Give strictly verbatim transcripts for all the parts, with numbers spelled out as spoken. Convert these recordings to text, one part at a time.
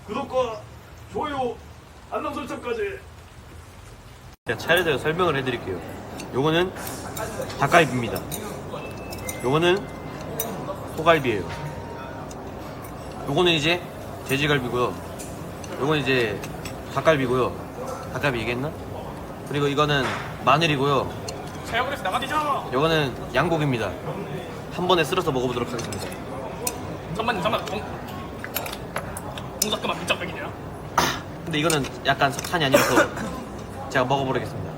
구독과 좋아요, 알람 설정까지. 제가 차례대로 설명을 해드릴게요. 요거는 닭갈비입니다. 요거는 소갈비예요. 요거는 이제 돼지갈비고요. 요거는 이제 닭갈비고요. 닭갈비 얘기했나? 그리고 이거는 마늘이고요. 자영업에서 나가되죠. 요거는 양고기입니다. 한 번에 쓸어서 먹어보도록 하겠습니다. 잠깐만 잠깐만. 동... 동작그만 밑장백이냐? 근데 이거는 약간 석탄이 아니라서 제가 먹어보겠습니다.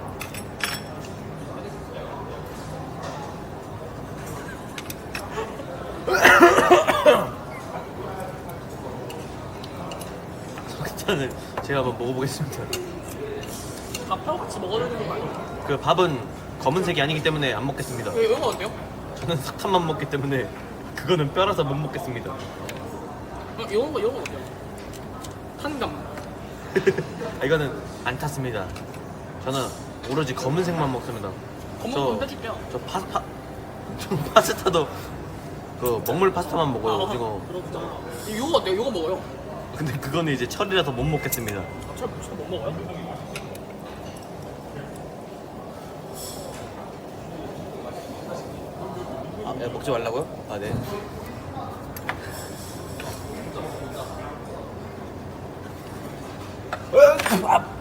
석탄을 제가 한번 먹어보겠습니다. 밥하고 같이 먹어야 되는 거 아니야? 그 밥은 검은색이 아니기 때문에 안 먹겠습니다. 왜 이거 어때요? 저는 석탄만 먹기 때문에 그거는 뼈라서 못 먹겠습니다. 어, 이런 거 이런 거 어때요? 탄감. 아, 이거는 안 탔습니다. 저는 오로지 검은색만 먹습니다. 검은 저- 건 해줄게요. 저 파스타, 저 파스타도 그 먹물 파스타만 먹어요. 아, 오징어. 그렇구나. 이거 어때요? 이거 먹어요. 근데 그거는 이제 철이라서 못 먹겠습니다. 잘못 먹어요? 아, 야, 먹지 말라고요? 아, 네. 아,